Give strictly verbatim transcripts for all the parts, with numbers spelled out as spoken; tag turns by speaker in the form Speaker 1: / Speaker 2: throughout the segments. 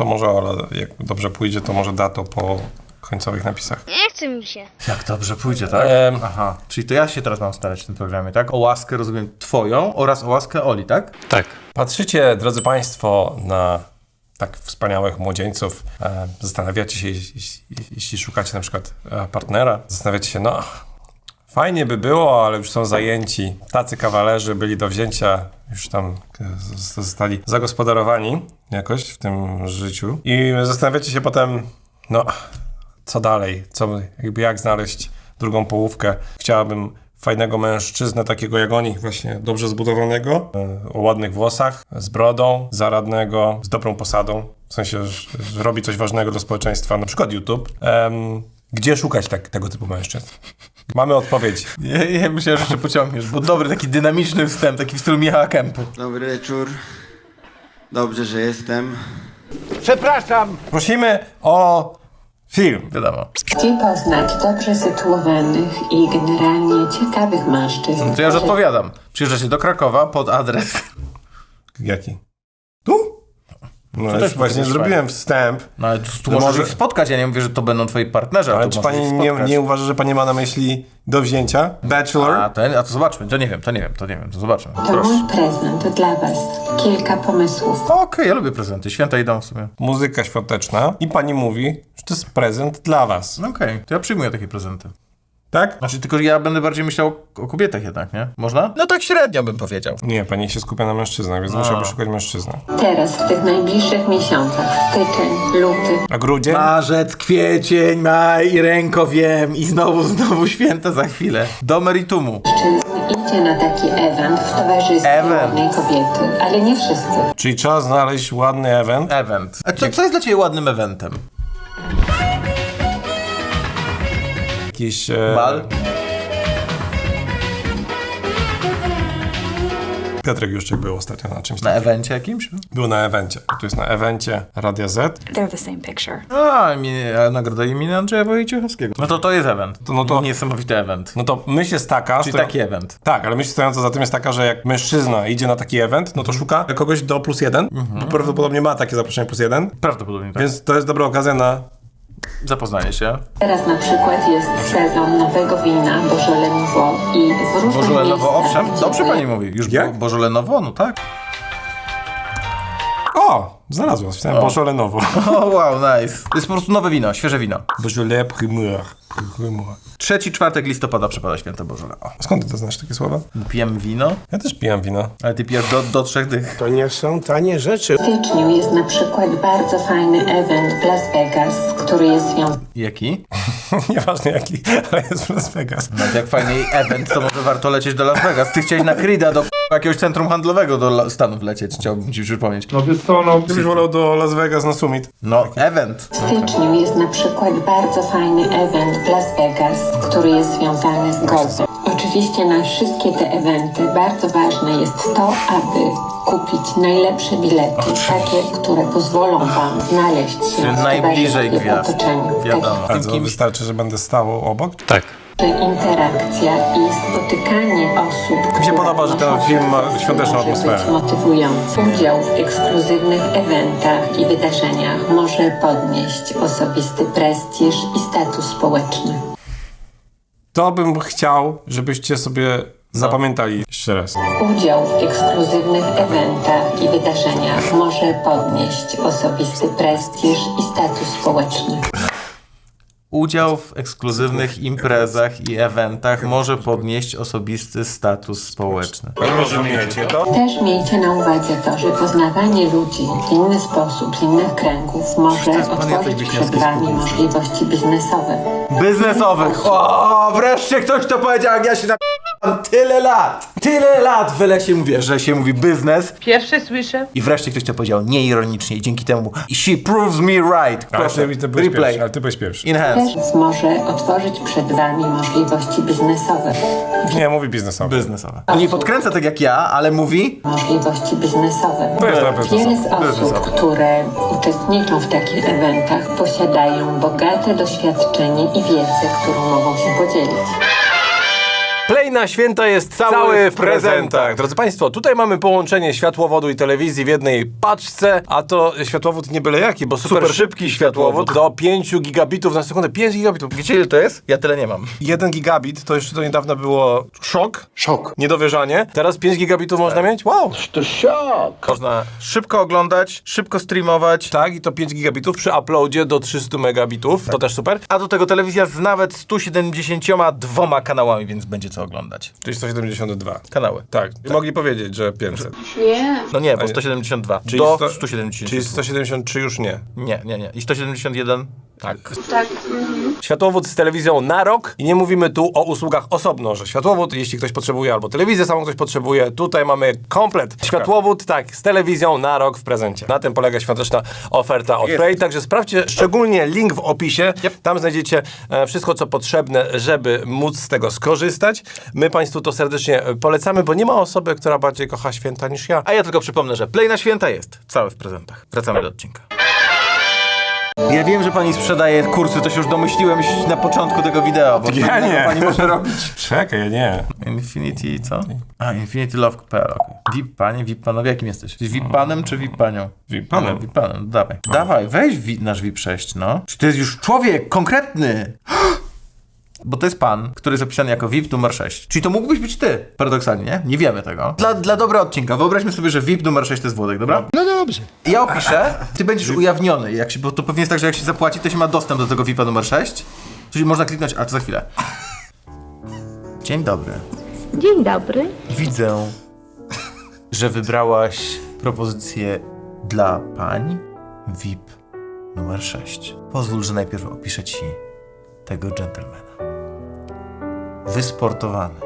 Speaker 1: to może Ola, jak dobrze pójdzie, to może da to po końcowych napisach.
Speaker 2: Nie chce mi się.
Speaker 3: Jak dobrze pójdzie, tak?
Speaker 1: Ehm.
Speaker 3: Aha, czyli to ja się teraz mam starać w tym programie, tak? O łaskę, rozumiem, twoją oraz o łaskę Oli, tak?
Speaker 4: Tak.
Speaker 1: Patrzycie, drodzy Państwo, na tak wspaniałych młodzieńców. E, zastanawiacie się, jeśli, jeśli szukacie na przykład e, partnera, zastanawiacie się, no fajnie by było, ale już są zajęci. Tacy kawalerzy byli do wzięcia, już tam z- zostali zagospodarowani jakoś w tym życiu. I zastanawiacie się potem, no co dalej, co, jakby jak znaleźć drugą połówkę. Chciałabym fajnego mężczyznę, takiego jak oni, właśnie dobrze zbudowanego, e, o ładnych włosach, z brodą, zaradnego, z dobrą posadą, w sensie, że, że robi coś ważnego dla społeczeństwa, na przykład YouTube. Em, gdzie szukać tak, tego typu mężczyzn? Mamy odpowiedź.
Speaker 3: Ja, ja myślałem, że jeszcze pociągniesz, bo dobry, taki dynamiczny wstęp, taki w stylu Michała Kępy.
Speaker 5: Dobry wieczór. Dobrze, że jestem.
Speaker 1: Prosimy o film.
Speaker 3: Wiadomo.
Speaker 6: Gdzie poznać dobrze sytuowanych i generalnie ciekawych mężczyzn?
Speaker 3: To ja już odpowiadam. Przyjeżdżacie do Krakowa pod adres.
Speaker 1: Jaki? Tu? No
Speaker 3: To
Speaker 1: już
Speaker 3: też
Speaker 1: właśnie
Speaker 3: będzie
Speaker 1: zrobiłem wstęp.
Speaker 3: No ale tu, tu
Speaker 1: No
Speaker 3: możesz
Speaker 1: może-
Speaker 3: ich spotkać, ja nie mówię, że to będą twoi partnerzy, ale
Speaker 1: Ale
Speaker 3: tu
Speaker 1: czy
Speaker 3: możesz
Speaker 1: pani
Speaker 3: ich
Speaker 1: nie,
Speaker 3: spotkać.
Speaker 1: nie uważa, że pani ma na myśli do wzięcia? Bachelor?
Speaker 3: A, to, a to zobaczmy, to nie wiem, to nie wiem, to nie wiem, to zobaczmy.
Speaker 6: To
Speaker 3: Proszę.
Speaker 6: mój prezent dla was. Kilka pomysłów.
Speaker 3: Okej, ja lubię prezenty, święta idą w sumie.
Speaker 1: Muzyka świąteczna i pani mówi, że to jest prezent dla was.
Speaker 3: No okej, to ja przyjmuję takie prezenty.
Speaker 1: Tak?
Speaker 3: Znaczy, tylko że ja będę bardziej myślał o, o kobietach jednak, nie? Można? No tak średnio bym powiedział.
Speaker 1: Nie, pani się skupia na mężczyznach, więc musiałby szukać mężczyzny.
Speaker 6: Teraz, w tych najbliższych miesiącach, styczeń, luty,
Speaker 1: A grudzień?
Speaker 3: Marzec, kwiecień, maj i ręko wiem i znowu, znowu święta za chwilę. Do meritumu.
Speaker 6: mężczyzn idzie na taki event w towarzystwie
Speaker 3: Event.
Speaker 6: ładnej kobiety, ale nie wszyscy.
Speaker 1: Czyli trzeba znaleźć ładny event.
Speaker 3: Event. A co, co jest dla ciebie ładnym eventem?
Speaker 1: Jakiś... E...
Speaker 3: Bal?
Speaker 1: Piotrek Juszczyk był ostatnio na czymś
Speaker 3: Na
Speaker 1: takim.
Speaker 3: evencie jakimś?
Speaker 1: Był na evencie. Tu jest na evencie Radia Z.
Speaker 7: They're the same picture.
Speaker 3: A, imię, a nagroda imienia Andrzeja Wojciechowskiego. No to to jest event.
Speaker 1: To- no to-
Speaker 3: Niesamowity event.
Speaker 1: No to myśl jest taka...
Speaker 3: Czyli
Speaker 1: sto-
Speaker 3: taki event.
Speaker 1: Tak, ale myśl stojąca za tym jest taka, że jak mężczyzna idzie na taki event, no to szuka kogoś do plus jeden, bo prawdopodobnie ma takie zaproszenie plus jeden,
Speaker 3: Prawdopodobnie tak.
Speaker 1: więc to jest dobra okazja na...
Speaker 3: Zapoznanie się.
Speaker 6: Teraz na przykład jest sezon nowego wina Beaujolais Nouveau i w różnych
Speaker 3: Bożole Nowo,
Speaker 6: miejscach,
Speaker 3: owszem.
Speaker 6: gdzie
Speaker 3: Dobrze
Speaker 6: wy-
Speaker 3: pani mówi. Już
Speaker 1: Jak?
Speaker 3: było Bożole Nowo, no tak.
Speaker 1: O! Znalazłem, wpisałem Beaujolais Nouveau.
Speaker 3: O, wow, nice. To jest po prostu nowe wino, świeże wino.
Speaker 1: Beaujolais Primeur. Primeur.
Speaker 3: Trzeci czwartek listopada przypada święto Bożole. O.
Speaker 1: Skąd ty to znasz takie słowa?
Speaker 3: Pijemy wino,
Speaker 1: Ja też pijam wino.
Speaker 3: ale ty pijesz do, do trzech dych.
Speaker 8: To nie są tanie rzeczy.
Speaker 6: W styczniu jest na przykład bardzo fajny event w Las Vegas, który jest związany
Speaker 3: Jaki?
Speaker 1: Nieważne jaki, ale jest w Las Vegas.
Speaker 3: No jak fajniej event, to może warto lecieć do Las Vegas. Ty chciałeś na Creed'a do jakiegoś centrum handlowego do La- Stanów lecieć, chciałbym ci przypomnieć.
Speaker 1: No wiesz co, no gdybyś wolał do Las Vegas na summit.
Speaker 3: No, event.
Speaker 6: W styczniu jest na przykład bardzo fajny event w Las Vegas, który jest związany z golfem. Oczywiście na wszystkie te eventy bardzo ważne jest to, aby kupić najlepsze bilety, takie, które pozwolą wam znaleźć się w
Speaker 3: Najbliżej
Speaker 6: towarzystwie,
Speaker 3: gwiazd.
Speaker 6: otoczeniu. W
Speaker 3: Wiadomo.
Speaker 1: A
Speaker 3: Tym
Speaker 1: co,
Speaker 3: kimś...
Speaker 1: wystarczy, że będę stał obok?
Speaker 4: Tak.
Speaker 6: Że interakcja i spotykanie osób,
Speaker 1: Mi się
Speaker 6: które
Speaker 1: podoba, że ten
Speaker 6: noszą
Speaker 1: film ma
Speaker 6: się
Speaker 1: świąteczną
Speaker 6: może
Speaker 1: atmosferę.
Speaker 6: być motywujący. Udział w ekskluzywnych eventach i wydarzeniach może podnieść osobisty prestiż i status społeczny.
Speaker 1: To bym chciał, żebyście sobie zapamiętali jeszcze raz.
Speaker 6: Udział w ekskluzywnych eventach i wydarzeniach może podnieść osobisty prestiż i status społeczny.
Speaker 3: Udział w ekskluzywnych imprezach i eventach może podnieść osobisty status społeczny.
Speaker 1: Rozumiecie to?
Speaker 6: Też miejcie na uwadze to, że poznawanie ludzi w inny sposób, z innych kręgów może
Speaker 3: jest pan Jacek
Speaker 6: otworzyć
Speaker 3: Wiśniewski
Speaker 6: przed
Speaker 3: z
Speaker 6: wami
Speaker 3: Kubicy.
Speaker 6: możliwości biznesowe.
Speaker 3: Biznesowych. O, wreszcie ktoś to powiedział, jak ja się na... Tyle lat, tyle lat w lesie mówię, że się mówi biznes.
Speaker 9: Pierwsze słyszę.
Speaker 3: I wreszcie ktoś to powiedział nieironicznie i dzięki temu she proves me right.
Speaker 1: Ale
Speaker 3: Proszę,
Speaker 1: ty, ty byłeś
Speaker 3: replay.
Speaker 1: pierwszy, ale ty byłeś pierwszy.
Speaker 3: Enhance.
Speaker 6: Też może otworzyć przed wami możliwości biznesowe.
Speaker 1: Nie, mówi biznesowy.
Speaker 3: Biznesowe. Nie podkręca tak jak ja, ale mówi...
Speaker 6: Możliwości biznesowe.
Speaker 1: To jest na pewno
Speaker 6: Wiele z
Speaker 1: biznesowe.
Speaker 6: osób, które uczestniczą w takich eventach, posiadają bogate doświadczenie i wiedzę, którą mogą się podzielić.
Speaker 3: Play
Speaker 1: Play na święta jest cały, cały w prezentach. Drodzy Państwo, tutaj mamy połączenie światłowodu i telewizji w jednej paczce, a to światłowód nie byle jaki, bo super, super szybki światłowód do pięć gigabitów na sekundę. pięć gigabitów.
Speaker 3: Wiecie ile to jest? Ja tyle nie mam.
Speaker 1: jeden gigabit to jeszcze do niedawna było szok.
Speaker 3: Szok.
Speaker 1: Niedowierzanie. Teraz pięć gigabitów można mieć? Wow.
Speaker 3: To szok. Można szybko oglądać, szybko streamować.
Speaker 1: Tak, i to pięć gigabitów przy uploadzie do trzystu megabitów. To też super.
Speaker 3: A do tego telewizja z nawet stu siedemdziesięcioma dwoma kanałami, więc będzie co oglądać.
Speaker 1: Czyli sto siedemdziesiąt dwa.
Speaker 3: Kanały.
Speaker 1: Tak. Mogli powiedzieć, że pięćset.
Speaker 6: Nie.
Speaker 3: No nie, bo sto siedemdziesiąt dwa.
Speaker 1: Czyli
Speaker 3: do
Speaker 1: sto-
Speaker 3: stu siedemdziesięciu.
Speaker 1: Czyli sto siedemdziesiąt trzy już nie.
Speaker 3: Nie, nie, nie. I sto siedemdziesiąt jeden?
Speaker 1: Tak.
Speaker 6: Tak. Mhm.
Speaker 1: Światłowód z telewizją na rok i nie mówimy tu o usługach osobno, że światłowód, jeśli ktoś potrzebuje, albo telewizję samą ktoś potrzebuje, tutaj mamy komplet. Światłowód, tak, z telewizją na rok w prezencie. Na tym polega świąteczna oferta od
Speaker 3: Jest.
Speaker 1: Play, także sprawdźcie szczególnie link w opisie.
Speaker 3: Yep.
Speaker 1: Tam znajdziecie e, wszystko, co potrzebne, żeby móc z tego skorzystać. My Państwu to serdecznie polecamy, bo nie ma osoby, która bardziej kocha święta niż ja.
Speaker 3: A ja tylko przypomnę, że Play na święta jest cały w prezentach. Wracamy do odcinka. Ja wiem, że pani sprzedaje kursy, to się już domyśliłem na początku tego wideo, bo
Speaker 1: Ja
Speaker 3: co
Speaker 1: nie.
Speaker 3: pani może robić.
Speaker 1: Czekaj, ja nie.
Speaker 3: Infinity co? A, Infinity Love kropka p l, okej. V I P panie, V I P panowie, jakim jesteś? Jesteś V I P panem czy V I P panią?
Speaker 1: V I P panem.
Speaker 3: No, V I P panem, no, dawaj. Dawaj, weź V I P, nasz V I P sześć, no. Czy to jest już człowiek konkretny? Bo to jest pan, który jest opisany jako V I P numer sześć. Czyli to mógłbyś być ty, paradoksalnie, nie? Nie wiemy tego. Dla, dla dobra odcinka, wyobraźmy sobie, że V I P numer sześć to jest Włodek, dobra? No dobrze. Ja opiszę, ty będziesz ujawniony, jak się, bo to pewnie jest tak, że jak się zapłaci, to się ma dostęp do tego V I P-a numer sześć. Czyli można kliknąć, a to za chwilę. Dzień dobry.
Speaker 2: Dzień dobry.
Speaker 3: Widzę, że wybrałaś propozycję dla pań V I P numer sześć. Pozwól, że najpierw opiszę ci tego dżentelmena. Wysportowany.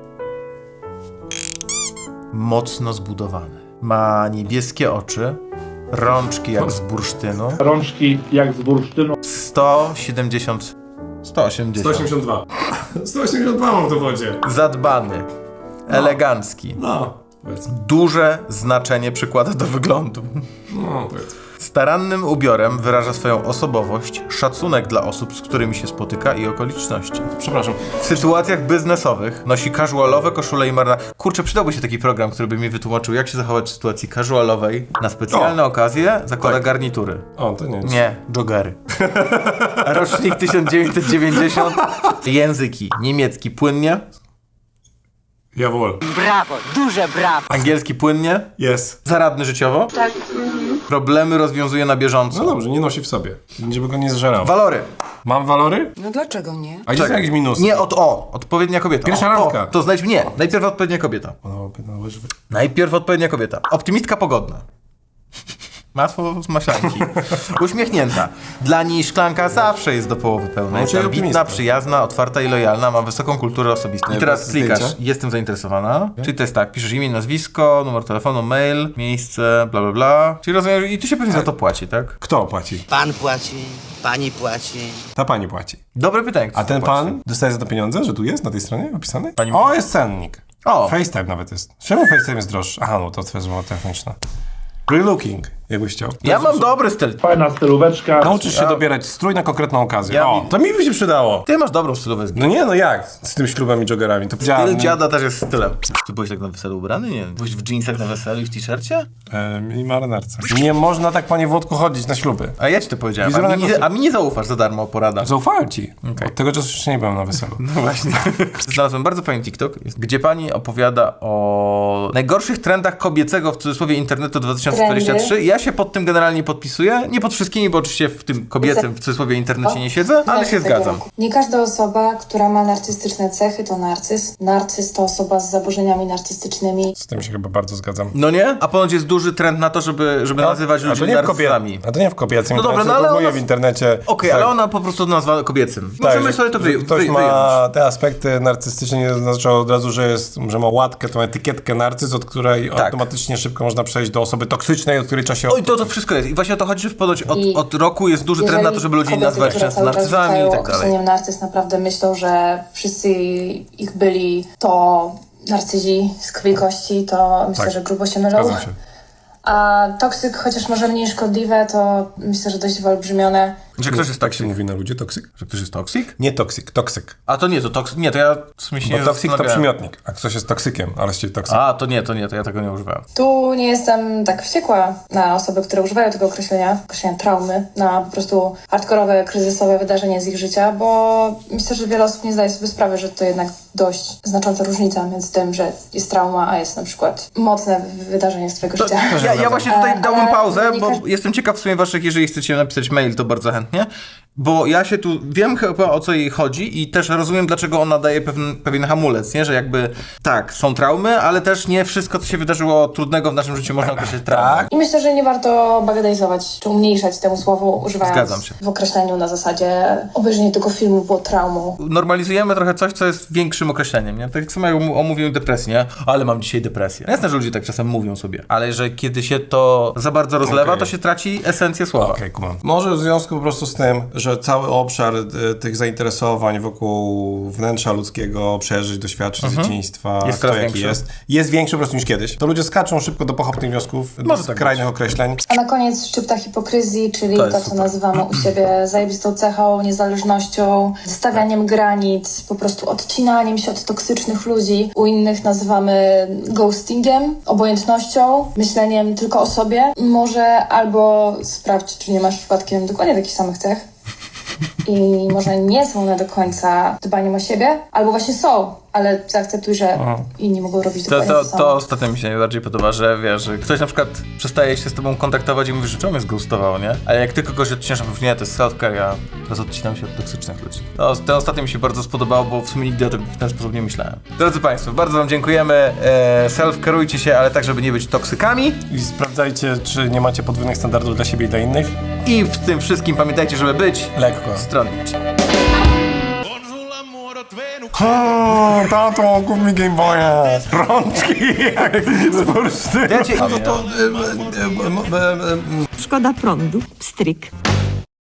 Speaker 3: Mocno zbudowany. Ma niebieskie oczy, rączki jak z bursztynu.
Speaker 4: Rączki jak z bursztynu.
Speaker 3: sto siedemdziesiąt... sto osiemdziesiąt.
Speaker 1: dwa. sto osiemdziesiąt dwa mam w dowodzie.
Speaker 3: Zadbany. Elegancki.
Speaker 1: No, powiedz.
Speaker 3: Duże znaczenie przykłada do wyglądu.
Speaker 1: No, powiedz.
Speaker 3: Starannym ubiorem wyraża swoją osobowość, szacunek dla osób, z którymi się spotyka i okoliczności.
Speaker 1: Przepraszam.
Speaker 3: W sytuacjach biznesowych nosi casualowe koszule i marynarki. Kurczę, przydałby się taki program, który by mi wytłumaczył, jak się zachować w sytuacji casualowej. Na specjalne
Speaker 1: O.
Speaker 3: okazje zakłada
Speaker 1: Tak.
Speaker 3: garnitury.
Speaker 1: O, to nie.
Speaker 3: Nie, joggery. Rocznik tysiąc dziewięćset dziewięćdziesiąt. Języki. Niemiecki płynnie.
Speaker 1: Jawohl.
Speaker 2: Brawo, duże brawo.
Speaker 3: Angielski płynnie.
Speaker 1: Jest.
Speaker 3: Zaradny życiowo.
Speaker 6: Tak. Mhm.
Speaker 3: Problemy rozwiązuje na bieżąco.
Speaker 1: No dobrze, nie nosi w sobie. Żeby go nie zżerał.
Speaker 3: Walory.
Speaker 1: Mam walory?
Speaker 7: No dlaczego nie?
Speaker 1: A gdzie są jakieś minusy?
Speaker 3: Nie od o. Odpowiednia kobieta.
Speaker 1: Pierwsza
Speaker 3: o,
Speaker 1: randka.
Speaker 3: O, to znajdź nie. Najpierw odpowiednia kobieta.
Speaker 1: No, no, łyżwy.
Speaker 3: Najpierw odpowiednia kobieta. Optymistka pogodna. Masło z maślanki. Uśmiechnięta. Dla niej szklanka zawsze jest do połowy pełna. Jest
Speaker 1: czyli
Speaker 3: ambitna,
Speaker 1: optymistka.
Speaker 3: przyjazna, otwarta i lojalna, ma wysoką kulturę osobistą. I
Speaker 1: Nie,
Speaker 3: teraz
Speaker 1: bez
Speaker 3: klikasz,
Speaker 1: zdjęcia?
Speaker 3: jestem zainteresowana. Czyli to jest tak, piszesz imię, nazwisko, numer telefonu, mail, miejsce, bla bla bla. Czyli rozumiem, i tu się pewnie za to płaci, tak?
Speaker 1: Kto płaci?
Speaker 8: Pan płaci, pani płaci.
Speaker 1: Ta pani płaci.
Speaker 3: Dobre pytanie. kto
Speaker 1: A ten
Speaker 3: płaci?
Speaker 1: pan dostaje za to pieniądze, że tu jest na tej stronie opisany?
Speaker 3: Pani-
Speaker 1: O, jest cennik.
Speaker 3: O.
Speaker 1: FaceTime nawet jest. Czemu FaceTime jest droższy? Aha, no to twoja rozmowa telefoniczna. Relooking, jakbyś chciał.
Speaker 3: Ja mam dobry styl.
Speaker 4: Fajna stylóweczka.
Speaker 1: Nauczysz się dobierać strój na konkretną okazję.
Speaker 3: Ja
Speaker 1: o,
Speaker 3: mi-
Speaker 1: to mi by się przydało.
Speaker 3: Ty masz dobrą stylówę.
Speaker 1: No nie, no jak? Z tym ślubem i joggerami. To
Speaker 3: Styl dziada też jest stylem. Ty byłeś tak na weselu ubrany? Nie. Byłeś w dżinsach na weselu i w t-shircie?
Speaker 1: E, I marynarce. Nie można tak, panie Włodku, chodzić na śluby.
Speaker 3: A ja ci to powiedziałem. A
Speaker 1: Wizerunek
Speaker 3: mi, nie,
Speaker 1: osób.
Speaker 3: a mi nie zaufasz za darmo porada.
Speaker 1: Zaufałem ci. Od tego czasu jeszcze nie byłem na weselu.
Speaker 3: No właśnie. Znalazłem bardzo fajny TikTok, gdzie pani opowiada o najgorszych trendach kobiecego, w cudzysłowie, internetu dwa tysiące dwudziestego trzeciego. Ja się pod tym generalnie podpisuję. Nie pod wszystkimi, bo oczywiście w tym kobiecym, w cudzysłowie, internecie nie siedzę, ale się zgadzam.
Speaker 9: Nie każda osoba, która ma narcystyczne cechy, to narcyz. Narcyz to osoba z zaburzeniami narcystycznymi.
Speaker 1: Z tym się chyba bardzo zgadzam.
Speaker 3: No nie? A ponoć jest duży trend na to, żeby, żeby nazywać
Speaker 1: A to
Speaker 3: ludzi
Speaker 1: nie w
Speaker 3: narcyzami.
Speaker 1: kobiecym. A to nie w kobiecym.
Speaker 3: No dobra,
Speaker 1: internecie,
Speaker 3: no ale
Speaker 1: próbuję
Speaker 3: ona-
Speaker 1: w internecie.
Speaker 3: Okej,
Speaker 1: tak,
Speaker 3: ale ona po prostu nazwa kobiecym.
Speaker 1: tak,
Speaker 3: Możemy
Speaker 1: że
Speaker 3: sobie to wy, wy,
Speaker 1: ktoś
Speaker 3: wyjąć.
Speaker 1: ma te aspekty narcystyczne, nie oznacza od razu, że, jest, że ma łatkę, tą etykietkę narcyz, od której
Speaker 3: Tak.
Speaker 1: automatycznie szybko można przejść do osoby toksycznej, od której trzeba się...
Speaker 3: Oj, to to wszystko jest. I właśnie o to chodzi, że ponoć od,
Speaker 9: I
Speaker 3: od roku jest duży trend na to, żeby ludzi
Speaker 9: kobiety,
Speaker 3: nazywać
Speaker 9: które
Speaker 3: często
Speaker 9: cały czas
Speaker 3: narcyzami i
Speaker 9: rzucają
Speaker 3: tak dalej.
Speaker 9: określeniem narcyz, naprawdę myślą, że wszyscy ich byli to narcyzi z krwi i kości, to myślę,
Speaker 1: Tak.
Speaker 9: że grubo się mylą.
Speaker 1: Zgadzam się.
Speaker 9: A toksyk, chociaż może mniej szkodliwe, to myślę, że dość wyolbrzymione.
Speaker 3: Że ktoś jest
Speaker 1: tak się
Speaker 3: toksyk.
Speaker 1: mówi na ludzie, toksyk?
Speaker 3: Że ktoś jest toksyk?
Speaker 1: Nie toksyk, toksyk.
Speaker 3: A to nie, to toksyk. Nie, to ja w sumie się
Speaker 1: Bo
Speaker 3: nie
Speaker 1: toksyk to
Speaker 3: zastanawiałem.
Speaker 1: przymiotnik, a ktoś jest toksykiem, ale z ciebie toksyk.
Speaker 3: A, to nie, to nie, to ja tego nie używałem.
Speaker 9: Tu nie jestem tak wściekła na osoby, które używają tego określenia, określenia traumy, na po prostu hardkorowe, kryzysowe wydarzenie z ich życia, bo myślę, że wiele osób nie zdaje sobie sprawy, że to jednak dość znacząca różnica między tym, że jest trauma, a jest na przykład mocne wydarzenie z twojego życia.
Speaker 3: Ja, ja właśnie tutaj
Speaker 9: E,
Speaker 3: dałbym
Speaker 9: ale
Speaker 3: pauzę,
Speaker 9: nie
Speaker 3: bo
Speaker 9: każdy-
Speaker 3: jestem ciekaw w sumie waszych, jeżeli chcecie napisać mail, to bardzo chętnie. Bo ja się tu wiem chyba o co jej chodzi i też rozumiem, dlaczego ona daje pewien, pewien hamulec, nie? Że jakby tak, są traumy, ale też nie wszystko, co się wydarzyło trudnego w naszym życiu można określić traumą.
Speaker 1: Tak.
Speaker 9: I myślę, że nie warto bagatelizować czy umniejszać temu słowu, używając
Speaker 3: Zgadzam się.
Speaker 9: w określeniu na zasadzie obejrzenie tego filmu było traumą.
Speaker 3: Normalizujemy trochę coś, co jest większym określeniem, nie? Tak samo jak om- omówiłem depresję, nie? Ale mam dzisiaj depresję. Jasne, że ludzie tak czasem mówią sobie, ale że kiedy się to za bardzo rozlewa,
Speaker 1: Okej.
Speaker 3: to się traci esencję słowa.
Speaker 1: Okej, kumam. Może w związku po prostu z tym, że cały obszar y, tych zainteresowań wokół wnętrza ludzkiego, przeżyć, doświadczeń z dzieciństwa,
Speaker 3: Jest
Speaker 1: kto
Speaker 3: coraz
Speaker 1: jaki
Speaker 3: większy.
Speaker 1: jest, jest większy po prostu niż kiedyś. To ludzie skaczą szybko do pochopnych wniosków, do
Speaker 3: Może tak
Speaker 1: skrajnych określeń.
Speaker 9: A na koniec szczypta hipokryzji, czyli
Speaker 3: To
Speaker 9: to,
Speaker 3: jest
Speaker 9: co
Speaker 3: super.
Speaker 9: nazywamy u siebie zajebistą cechą, niezależnością, stawianiem granic, po prostu odcinaniem się od toksycznych ludzi. U innych nazywamy ghostingiem, obojętnością, myśleniem tylko o sobie. Może albo sprawdź, czy nie masz przypadkiem dokładnie takich samych cech. I może nie są one do końca dbaniem o siebie, albo właśnie są, ale zaakceptuj, że inni mogą robić
Speaker 3: To,
Speaker 9: dokładnie
Speaker 3: to,
Speaker 9: to, samo.
Speaker 3: to ostatnio mi się najbardziej podoba, że wiesz, że ktoś na przykład przestaje się z tobą kontaktować i mówi, że czemu mnie zgoustował, nie? Ale jak ty kogoś odcinasz, mówi, nie, to jest self-care, ja teraz odcinam się od toksycznych ludzi. No, ten ostatni mi się bardzo spodobał, bo w sumie nigdy o tym w ten sposób nie myślałem. Drodzy Państwo, bardzo Wam dziękujemy. E, self-careujcie się, ale tak, żeby nie być toksykami.
Speaker 1: I sprawdzajcie, czy nie macie podwójnych standardów dla siebie i dla innych.
Speaker 3: I w tym wszystkim pamiętajcie, żeby być
Speaker 1: Lekko.
Speaker 3: stronniczy.
Speaker 1: O, tato, kup mi Game Boya. Rączki jak z bursztynu.
Speaker 3: Ja cię-
Speaker 1: No to... y, y, y, y, y, y,
Speaker 2: Szkoda prądu. Pstryk.